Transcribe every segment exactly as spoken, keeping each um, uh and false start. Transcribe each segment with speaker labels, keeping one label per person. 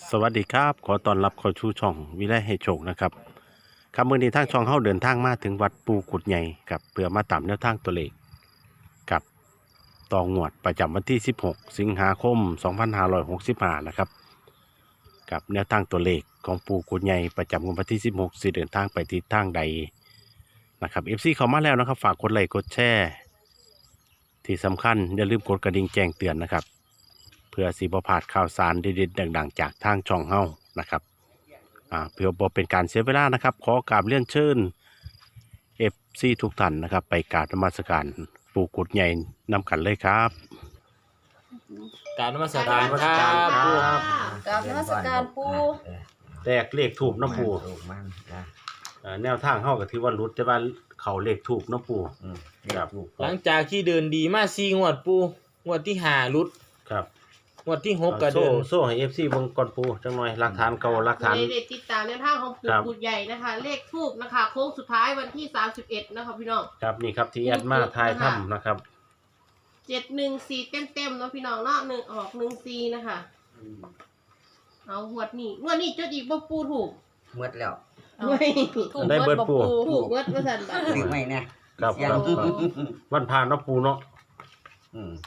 Speaker 1: สวัสดีครับขอต้อนรับเข้าชูช่องวิไลให้โชคนะครับครับมื้อนี้ทางช่องเฮาเดินทางมาถึงวัดปูกุดใหญ่กับเพื่อมาตามแนวทางตัวเลขกับต่องวดประจำวันที่สิบหกสิงหาคมสองพันห้าร้อยหกสิบห้านะครับกับแนวทางตัวเลขของปูกุดใหญ่ประจำวันที่สิบหกสิเดินทางไปทิศทางใดนะครับ เอฟ ซี เข้ามาแล้วนะครับฝากกดไลค์กดแชร์ที่สำคัญอย่าลืมกดกระดิ่งแจ้งเตือนนะครับเพื่อสิบ่พลาดข่าวสารเด็ดๆดังๆจากทางช่องเฮานะครับอ่าเพื่อบ่เป็นการเสียเวลานะครับขอกราบเรียนเชิญ เอฟ ซี ทุกท่านนะครับไปกราบนมัสการปู่กุดใหญ่นำกันเลยครับ
Speaker 2: กรารนมัสการครับ
Speaker 1: ครับ
Speaker 2: ปู่
Speaker 3: กราบนมัสการปู่
Speaker 1: แตกเลขถูกน้ำปู
Speaker 4: ถูกมันนะ
Speaker 1: อ่าแนวทางเฮาก็ถือว่ารุดแต่ว่าเขาเลขถูกน้ำปู
Speaker 4: อืม
Speaker 1: ครับ
Speaker 4: ถูก
Speaker 2: หลังจากที่เดินดีมาสี่งวดปู่งวดที่ห้ารุด
Speaker 1: ครับ
Speaker 2: งวดที่หกก็
Speaker 1: โซ่
Speaker 2: เดิน
Speaker 1: โซ่ให้ เอฟ ซี เบิ่งก่อนปูจังหน่อยหลักฐานเก่าหลักฐาน
Speaker 3: ในเด็ดติดตามแนวทางของปู่
Speaker 1: ครับ
Speaker 3: กุดใหญ่นะคะ เลขทูบนะคะโค้งสุดท้ายวันที่สามสิบเอ็ดนะคะพี่น้อง
Speaker 1: ครับนี่ครับที่แอดมาทายถ้ำนะครับ
Speaker 3: เจ็ดหนึ่งสี่เต็มเต็มๆเนาะพี่น้องเนาะหนึ่งออกหนึ่งสี่นะคะเอาหวดนี่งวดนี้จดอีกบ่ปูถูก
Speaker 4: เมื่อแล้ว
Speaker 3: ไม่
Speaker 1: ถูกได้เบิดปู่
Speaker 3: ถูกเวิร์ดว่าสันแบบ
Speaker 4: ซื้อไม่เนี่ย
Speaker 1: ครับครับครับวันพาเนาะปูเนาะ
Speaker 4: อืม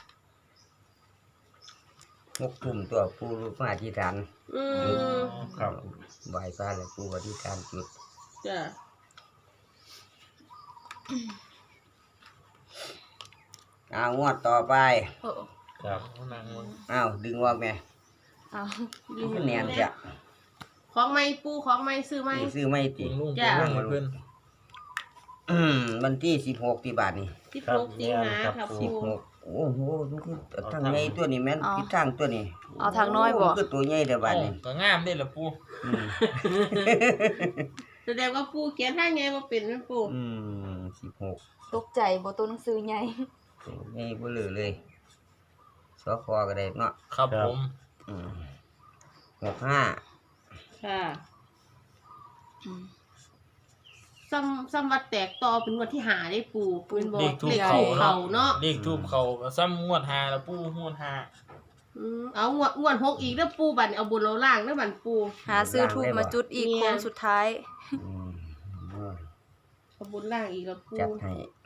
Speaker 4: หกทุ่มตัวปูมาอธิษฐาน
Speaker 3: อืม
Speaker 1: ครับ
Speaker 4: ไหว้พระแล้วปูอธิษฐานจุด
Speaker 3: จ้ะ
Speaker 4: เอางวดต่อไป
Speaker 3: โอ้
Speaker 1: ครับ
Speaker 2: นั่งลง
Speaker 4: เอาดึงออกแม่
Speaker 3: เอา
Speaker 4: มันแนนจะ
Speaker 3: ของไม่ปูของไม่ซื้อไม่
Speaker 4: ซื้อไม่ติ
Speaker 2: ลุง
Speaker 3: จ้ะ
Speaker 2: ลุงให้เพิ่น
Speaker 4: อืมวันที่สิบหกที่บาทนี่
Speaker 3: ที่ปลูกสิงหาค่ะ
Speaker 4: สิบ
Speaker 3: ปู
Speaker 4: หกโอ้โหมันคือทางไงตัวนี้แม่นทิศทางตัวนี้
Speaker 5: เอาทางน้อยบ่
Speaker 4: โคือตัวใหญ่เด้อบาทนี่
Speaker 2: ก็งามได้อละปู่
Speaker 4: อืม
Speaker 3: แสดงว่าปูเขียนให้ไงว่าเป็นไหมปู
Speaker 4: อืมสิบหก
Speaker 5: ตกใจบ่ตัวหนังสือใหญ่
Speaker 4: ตัวใหญ่บ่เหลือเลยสอคอก็ได้เนาะ
Speaker 2: ครับผม
Speaker 4: อืมหกห้า
Speaker 3: ค่ะซัมซัมวัดแตกต่อเป็นงวดที่หาได้ปูเป็นบอก
Speaker 2: เลขทูบ
Speaker 3: เลข
Speaker 2: เขา
Speaker 3: ถูกเขาเนาะ
Speaker 2: เลขทูบเขาก็ซ้ำงวดห้าละปู่งวดห้า
Speaker 3: อืมเอางวดงวดหกอีกแล้วปูบันเอาบนเราล่างแล้วบันปู
Speaker 5: หาซื้อทูบมาจุดอีก
Speaker 3: เนี่ย
Speaker 5: โค้งสุดท้าย
Speaker 4: อืม
Speaker 3: เอาบนล่างอีกแล้วปู
Speaker 4: จัดให้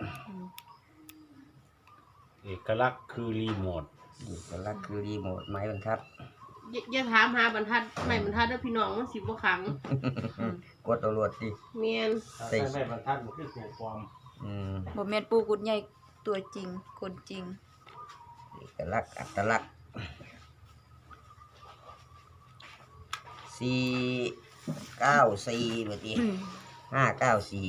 Speaker 1: เอกลักษณ์คือรีโมท
Speaker 4: อีกลักษณ์คือรีโมทไม้บรรทัด
Speaker 3: อย่าอย่าถามหาบรรทัดไม่บรรทัดแล้วพี่น้องมันสิบ่ขัง
Speaker 4: กดเอารวดดิ
Speaker 3: เมียน
Speaker 4: ใส่
Speaker 1: ใส่บรรทัดมันคือตัวความ
Speaker 4: อืม
Speaker 5: บ่แม่นปูกุดใหญ่ตัวจริงคนจริง
Speaker 4: เอกลักษณ์อัตลักษณ์สี่เก้าสี่เมื่อกี้ห้าเก้าสี่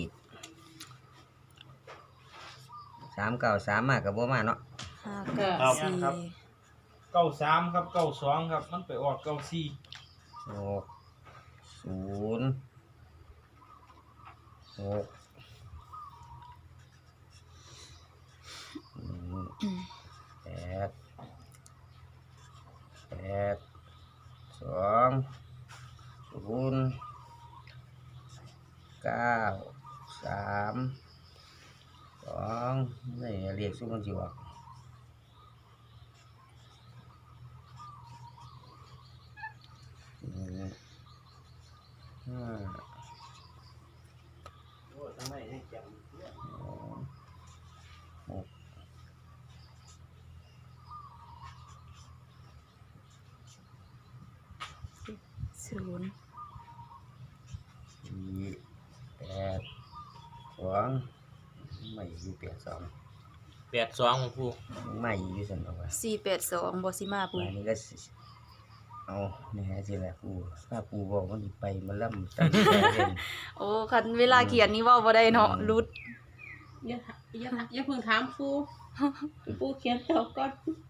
Speaker 4: สามเก้าสามมากกับบ่มาเนาะ
Speaker 5: ห้าเก้าสี่
Speaker 2: เก้าสามครับเก้าสองครับมันไปออกเก้าสี่
Speaker 4: หกศูนย์หกอืมแปดแปดสองศูนย์เก้าสามสองนี่เรียกซุ้มมันสิวะอืมห้าสองหก
Speaker 5: ศูนย์
Speaker 4: สี่แปดสองไม่อยู่แปดสอง
Speaker 2: แปดสองของปู่
Speaker 4: ไม่อยู่สันเอาไว้
Speaker 5: สี่แปดสองบ่สิมาปู
Speaker 4: อันนี้ก็สิเอาเนี่ยสิแหละปูถ้าปูบอกมันสิไปมันล่ำตั้งใจเล่น
Speaker 5: โอ้คันเวลาเขียนนี่เว้าบ่ได้เนาะรุด
Speaker 3: อย่าอย่าอย่าเพิ่งถามปูปูเขียนแล้วก่อน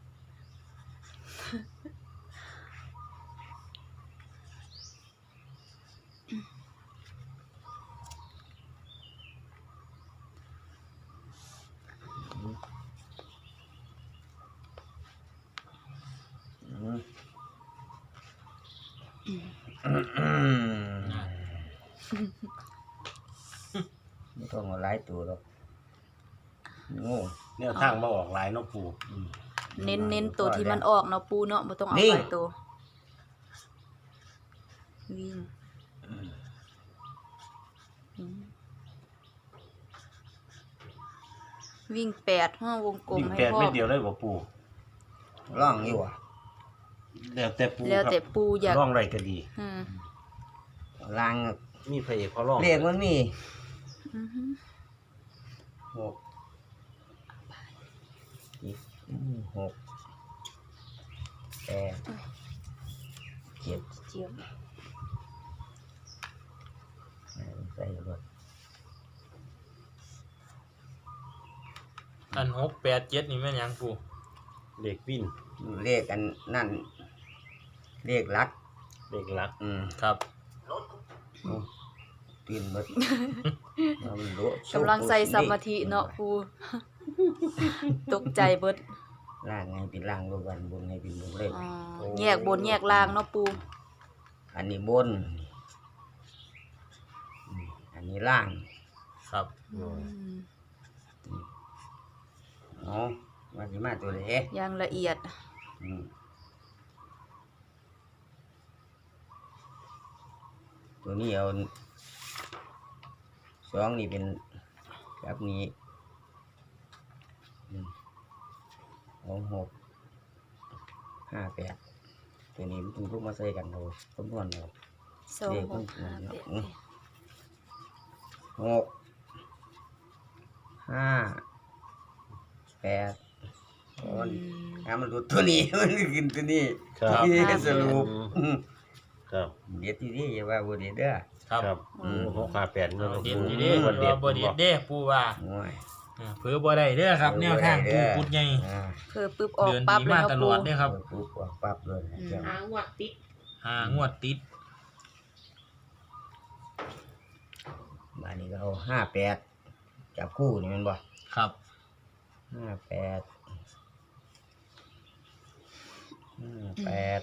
Speaker 4: อืมไม่ต้องเอาหลายตัวหรอกโง่
Speaker 1: แนวทางมาออกหลายเนาะปู
Speaker 5: เน้นเน้นตัวที่มันออกเนาะปูเนาะบ่ต้องเอา
Speaker 4: นิ่ง
Speaker 5: หลายตัววิ่งอืมวิ่งแปดห้าวงกลม
Speaker 1: วิ่ง
Speaker 5: ให้
Speaker 1: แปด
Speaker 5: พ่อ
Speaker 1: เม็ดเดียวเลยบ่ปู
Speaker 4: ร่องอยู่อ่ะ
Speaker 1: แล้วแต่ปู
Speaker 5: แล้ว
Speaker 1: ครับ
Speaker 5: แต่ปูอยาก
Speaker 1: ร่องไรก็ดี
Speaker 5: อืม
Speaker 4: ล่าง
Speaker 1: มีพระเอกเขาร่อง
Speaker 4: เลขมันมี
Speaker 5: อือฮึ
Speaker 4: หกอีกหกแปดเจ็ด
Speaker 5: เจียบ
Speaker 4: ใส่รถ
Speaker 2: อันหกแปดเจ็ดนี่แม่นหยังปู
Speaker 1: เด็กวิ่น
Speaker 4: เลขอันนั่นเลขลัก
Speaker 1: เด็กรัก
Speaker 4: อืม
Speaker 2: ครับ
Speaker 4: ตื่นหมดมันโล
Speaker 5: กำลังใส่สมาธิเนาะปูตกใจเบิด
Speaker 4: ล่างไงเป็นล่างบนวันบนไงเป็นบนเลย
Speaker 5: อ๋อแยกบนแยกล่างเนาะปู
Speaker 4: อันนี้บนอืมอันนี้ล่าง
Speaker 2: ครับ
Speaker 5: อืม
Speaker 4: เนาะวันนี้มาตัวเล็ก
Speaker 5: อย่างละเอียด
Speaker 4: อืมตัวนี้เอาสองนี่เป็นแบบนี้อืมสองหกห้าแปดตัวนี้มันต้องลูกมาใส่กันเราคำนวณเรา
Speaker 5: สอง
Speaker 4: เลข
Speaker 5: ห
Speaker 4: มัน
Speaker 5: กห้าแปด
Speaker 4: อืมหกห้าแปดตอน
Speaker 5: อืม
Speaker 4: ถ้ามันรู้ตัวนี้ มันกินตัวนี้
Speaker 1: ครับ
Speaker 4: ที่
Speaker 5: ครับ
Speaker 4: สรุปอืม
Speaker 1: ครับ
Speaker 4: เดี๋ยวที่นี่อย่าว่าบ่เด็ดเด้อ
Speaker 2: ครับ
Speaker 1: ครับ
Speaker 5: อืม
Speaker 1: หกห้าแปดเนาะ
Speaker 2: เอาเด็ด
Speaker 1: ปู
Speaker 2: อยู่เด้
Speaker 1: บ่
Speaker 2: บ่
Speaker 1: เด็ด
Speaker 2: บ่เด็ดเด้ปูว่า
Speaker 4: โอ้ย
Speaker 2: เออเผือบ่ได้เด้อครับ แนวทางปูกุดใหญ่
Speaker 4: อ่า
Speaker 5: เพื่อปึ๊บออก
Speaker 2: เดือน
Speaker 5: ปั๊บ
Speaker 2: นี้
Speaker 5: เลย
Speaker 2: มา
Speaker 5: เนาะ
Speaker 2: ตล
Speaker 5: ปู
Speaker 2: อดเด้อครับ
Speaker 4: เปิดปุ๊บออกปั๊บเลยนะเจ้า
Speaker 3: หางวดติด
Speaker 2: หางวดติด
Speaker 4: บ้านนี้ก็เอาห้าแปดจับคู่นี่แมันบ่
Speaker 2: ครับ
Speaker 4: ห้าแปดห้าแปด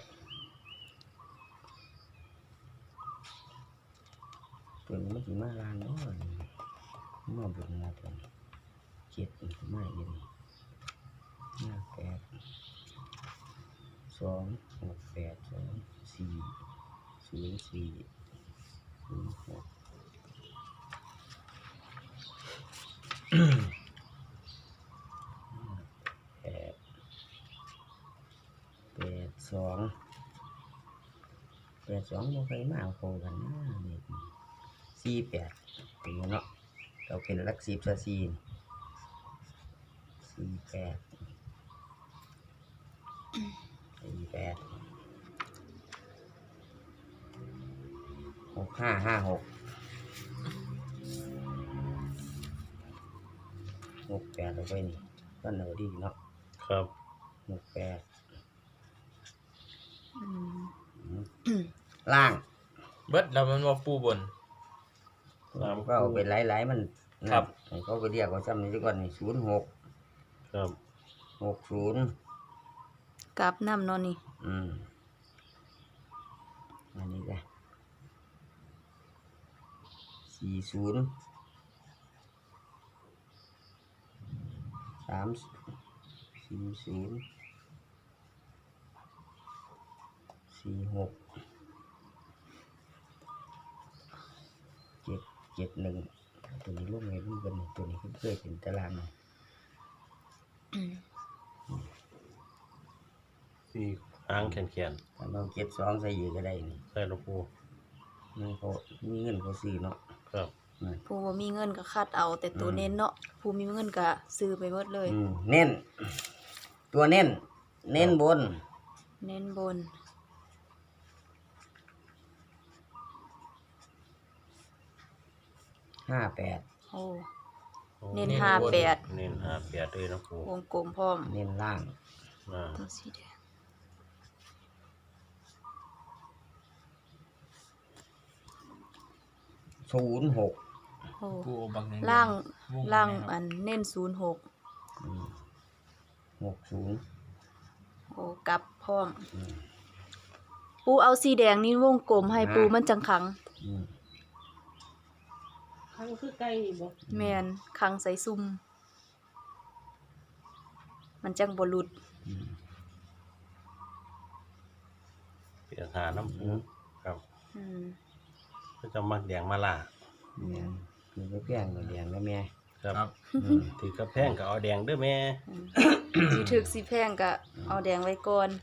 Speaker 4: ตัวนี้มันสิมาลานเนาะมาบุญมาตัวนี้เจ็ดมันสิมาอยู่นี่ห้าแปดสองหกแปดสองสี่ศูนย์สี่ศูนย์หกแปดแปดสองแปดสองบ่เคยมาเอาเข้ากันนะนี่สี่แปดเป็นเนาะเราเป็นหลักสิบซะสี่นี่สี่แปดสี่แปดหกห้าห้าหกหกแปดเอาไปนี่ก็เหนือดีเนาะ
Speaker 1: ครับ
Speaker 4: หกแปด
Speaker 5: อืม
Speaker 4: ล่าง
Speaker 2: เบิดแล้วมันบ่ปูบน
Speaker 4: ก็เอาไปหลายๆมัน
Speaker 2: ครับ
Speaker 4: ให้เขาไปเรียกว่าซ้ำนี้ดีกว่านี่ศูนย์หก
Speaker 1: ครับ
Speaker 4: หกศูนย์
Speaker 5: กราบน้ำเนาะนี่
Speaker 4: อืมอันนี้ก็สี่ศูนย์สามสี่ศูนย์สี่หกเจ็ดเจ็ดหนึ่งตัวนี้ร่วมไงร่วมกันนี่ตัวนี้เพื่อเป็นตารางนี่
Speaker 5: อืม
Speaker 1: สี่หางแขน
Speaker 4: ถ้าเราเจ็ดสองใส่อยู่ก็ได้นี่
Speaker 1: ๆใส่หลวงปู
Speaker 4: มันเขามีเงินเขาซื้อเนาะ
Speaker 1: ครับ
Speaker 4: นั่น
Speaker 5: ผู้บ่มีเงินก็คัดเอา แต่ตัว
Speaker 4: อืม
Speaker 5: เน้นเนาะผู้มีเงินก็ซื้อไปหมดเลย
Speaker 4: อืมเน้น ตัวเน้น เน้นบน
Speaker 5: เน้นบน
Speaker 4: ห้าแปด
Speaker 5: โอ้
Speaker 1: โอ้
Speaker 5: เน้น
Speaker 2: เน้น
Speaker 5: ห้า
Speaker 2: บน
Speaker 5: แปด
Speaker 1: เน้นห้าแปดเลยเนาะปู
Speaker 5: วงกลมพร้อม
Speaker 4: เน้นล่าง
Speaker 1: อ่า
Speaker 5: ตัวสีแดง
Speaker 4: ศูนย์หก
Speaker 5: โอ้
Speaker 2: ปูเอาบักหนึ่ง
Speaker 5: ล่าง
Speaker 2: วง
Speaker 5: ล่าง
Speaker 2: นะครับ
Speaker 5: อันเน้นศูนย์หก
Speaker 4: หกศูนย์
Speaker 5: โอ้กลับพร้อม ปูเอาสีแดงนี่วงกลมให้ปูมันจังขัง
Speaker 4: อืม
Speaker 3: ข้างคือไก่นี่บ่
Speaker 5: แมนขังใส่ซุ่ม มันจังบ่หลุด
Speaker 4: อืม
Speaker 1: เปลี่ยนหาน้ำปูครับ
Speaker 5: อืม
Speaker 1: ก็จะมักแดงมาล่า
Speaker 4: แดงมีก็เพียงก็แดงแล้วแม่
Speaker 1: ครับ
Speaker 2: ครับ
Speaker 4: อืม
Speaker 1: ถือกระแพงก็เอาแดงเด้อแม่
Speaker 5: อืมสิถึกสิแพงก็เอาแดงไว้ก่อน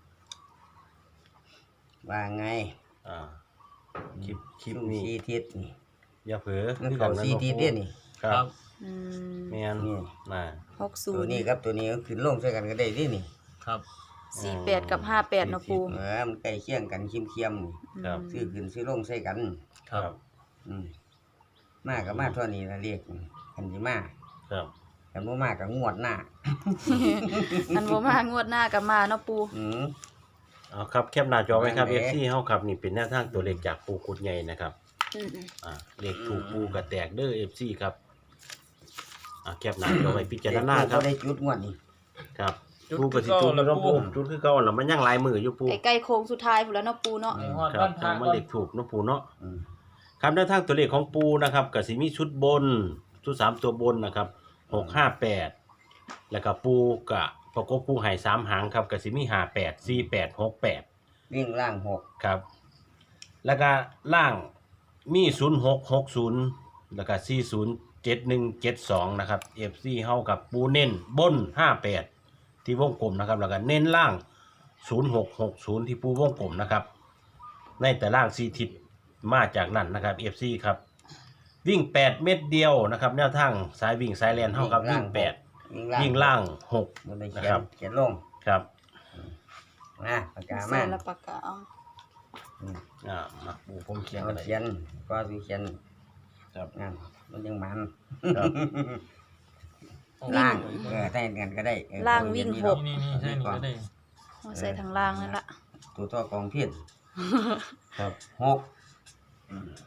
Speaker 4: ว่าไง
Speaker 1: อ่าคลิปคลิป
Speaker 4: ซุ่ม
Speaker 1: นี้
Speaker 4: สีทิศนี่
Speaker 1: อย่าเผลอ
Speaker 4: มัน
Speaker 1: คือ
Speaker 4: เขา
Speaker 1: กั
Speaker 4: สีทิศเด้อนี่
Speaker 1: ครับ
Speaker 5: อืม
Speaker 1: แม่น
Speaker 4: นี่
Speaker 1: น่ะ
Speaker 5: หกศู
Speaker 4: ตัวน
Speaker 5: ย์
Speaker 4: นี้ครับตัวนี้ก็ขึ้นลงใส่กันก็ได้เดินี่
Speaker 2: ครับ
Speaker 5: สี่แปดกับห้าแปดเนาะปู
Speaker 4: เออมันใกล้เคียงกันเคียมๆนี่
Speaker 1: ครับ
Speaker 4: ซื้อขึ้นซื้อลงใส่กัน
Speaker 2: ครับ
Speaker 4: อืมมากับมาเท่านี้ละเรียกอันที่มา
Speaker 1: ครับ
Speaker 4: กันบ่มากับงวดหน้า
Speaker 5: อันบ่มางวดหน้ากับมาเนาะปู
Speaker 4: อืม
Speaker 1: เอาครับแคปหน้าจอไว้ครับ
Speaker 4: นั่นแห
Speaker 1: เอ
Speaker 4: ละ
Speaker 1: ฟ ซี เฮาครับนี่เป็นแนวทางตัวเลขจากปูกุดใหญ่นะครับ
Speaker 5: อืม
Speaker 1: อ่าเลขถูกปูกระแตกเด้อ เอฟ ซี ครับอ่าแคปหน้าจอไว้พิจารณาครับ
Speaker 4: ได้จุดงวดนี่
Speaker 1: ครับ
Speaker 2: จุด
Speaker 1: ปูก็สิจุด
Speaker 2: คือเก่า
Speaker 1: แล้ว
Speaker 2: ล่ะ
Speaker 1: ปู
Speaker 2: ปู
Speaker 1: จุดคือเก่าแล้วมันยังหลายมืออยู่ปู
Speaker 5: ใกล้ๆโค้งสุดท้ายพุ่นแล้วเนาะปูเนาะ
Speaker 2: ไอ้ฮอด
Speaker 1: ครั
Speaker 2: บ้า
Speaker 1: บ
Speaker 2: น
Speaker 1: ทา
Speaker 2: ทาง ง
Speaker 1: มันเลขถูกเนาะปูเนาะ
Speaker 4: อืม
Speaker 1: ครับแนวทางตัวเลขของปูนะครับก็สิมีชุดบนชุดสามตัวบนนะครับหกห้าแปดแล้วก็ปูกะประกบปูให้สามหางครับก็สิมีห้าแปดสี่แปดหกแปด
Speaker 4: วิ่งล่างหก
Speaker 1: ครับ แล้วก็ล่างมีศูนย์หกหกศูนย์แล้วก็สี่ศูนย์เจ็ดหนึ่งเจ็ดสองนะครับ เอฟ ซี เฮากับปูเน้นบนห้าแปดที่วงกลมนะครับแล้วก็เน้นล่างศูนย์หกหกศูนย์ที่ปูวงกลมนะครับในแต่ล่างสี่ทิศมาจากนั่นนะครับ เอฟ ซี ครับวิ่งแปดเม็ดเดียวนะครับแนวทางสายวิ่งสายแลนเฮากับวิ่งแปด
Speaker 4: วิ่งล่าง
Speaker 1: วิ่งล่างหก
Speaker 4: มันได้
Speaker 1: นะ
Speaker 4: เขีย
Speaker 1: ครั
Speaker 4: น
Speaker 1: บ
Speaker 4: เขียนลง
Speaker 1: ครับ
Speaker 4: นะปากกา
Speaker 5: ใส่
Speaker 4: มา
Speaker 5: ละปากกาเอา
Speaker 4: อืม
Speaker 1: อ่ามาปูผมเขียน
Speaker 4: เอา
Speaker 1: อะไร
Speaker 4: เขียนก็สิเขียน
Speaker 1: ครับ
Speaker 4: นั่นมันยังมัน
Speaker 1: ครับ
Speaker 4: ล่างเออได้กันก็ได้เออ
Speaker 5: ล่างวิ่งหก
Speaker 2: นี่นี่ใช่นี่ก็ได้
Speaker 5: เอาใส่ทางล่างนั่นละ
Speaker 4: ตัวท่อกองเพี้ยน
Speaker 1: ครับ
Speaker 4: หกอืม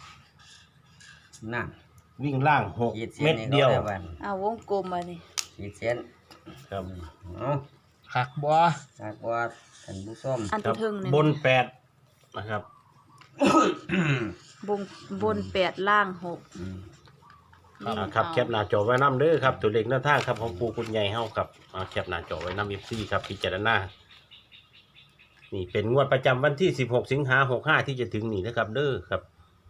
Speaker 4: นั่น
Speaker 1: วิ่งล่างหก
Speaker 4: ขีดเส้น
Speaker 1: เม็ด
Speaker 4: นี่
Speaker 1: เดียว
Speaker 4: ก็ได้วัน
Speaker 5: เอาวงกลมมานี่
Speaker 4: ขีดเส้น
Speaker 1: ครับ
Speaker 4: เนาะ
Speaker 2: หักบัว
Speaker 4: หากว่าท่านผู้ส้ม
Speaker 5: อัน
Speaker 1: ครั
Speaker 5: ที่ถึงเนี่ย
Speaker 1: บนแปดนะครับ
Speaker 5: บนบนแปดล่างหก
Speaker 4: อืม
Speaker 5: วิ่ง
Speaker 1: อ่าครับ
Speaker 5: เอา
Speaker 1: แคปหน้าจอไว้น้ำเด้อครับตัวเลขหน้าทางครับของปูคุณใหญ่เฮาครับเอาแคปหน้าจอไว้น้ำเอฟซีครับพิจารณานี่เป็นงวดประจำวันที่สิบหกสิงหาหกห้าที่จะถึงนี่นะครับ เด้อครับ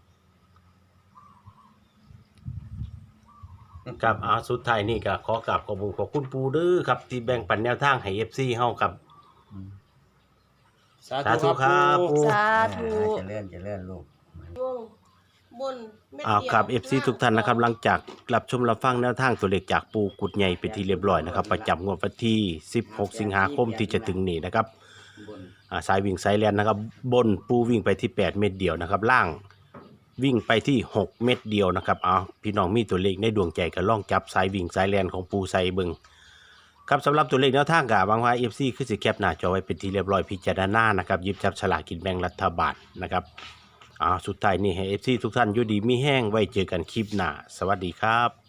Speaker 1: ครับอาสุดท้ายนี่ก็ขอกราบขอบคุณขอบคุณปูเด้อครับที่แบ่งปันแนวทางให้เอฟซีเฮาครับ
Speaker 2: สา
Speaker 1: สาธุ
Speaker 2: ธุ
Speaker 1: ค
Speaker 2: ค
Speaker 1: รั
Speaker 2: รับ บ
Speaker 1: ปู
Speaker 5: สาธุ
Speaker 4: เจะเลื่อนจะเลื่อนลูก
Speaker 3: วงบนเม็ด
Speaker 1: อ่า
Speaker 3: เดียว
Speaker 1: ครับ เอฟ ซี ทุกท่านนะครับหลังจากรับชมรับฟังแนวทางตัวเลขจากปูกุดใหญ่เป็นที่เรียบร้อยนะครับประจำงวดวันที่สิบหกสิงหาคมที่จะถึงนี้นะครับอ่าสายวิ่งสายแลนนะครับบนปูวิ่งไปที่แปดเม็ดเดียวนะครับล่างวิ่งไปที่หกเม็ดเดียวนะครับเอาพี่น้องมีตัวเลขในดวงใจก็ล่องจับสายวิ่งสายแลนของปูใส่เบิงครับสำหรับตัวเลขแนวทางกับบางว่า เอฟ ซี คือสิแคปหน้าจอไว้เป็นที่เรียบร้อยพิจารณานะครับหยิบจับฉลากกินแบ่งรัฐบาลนะครับอ่าสุดท้ายนี่ให้ เอฟ ซี ทุกท่านอยู่ดีมีแห้งไว้เจอกันคลิปหน้าสวัสดีครับ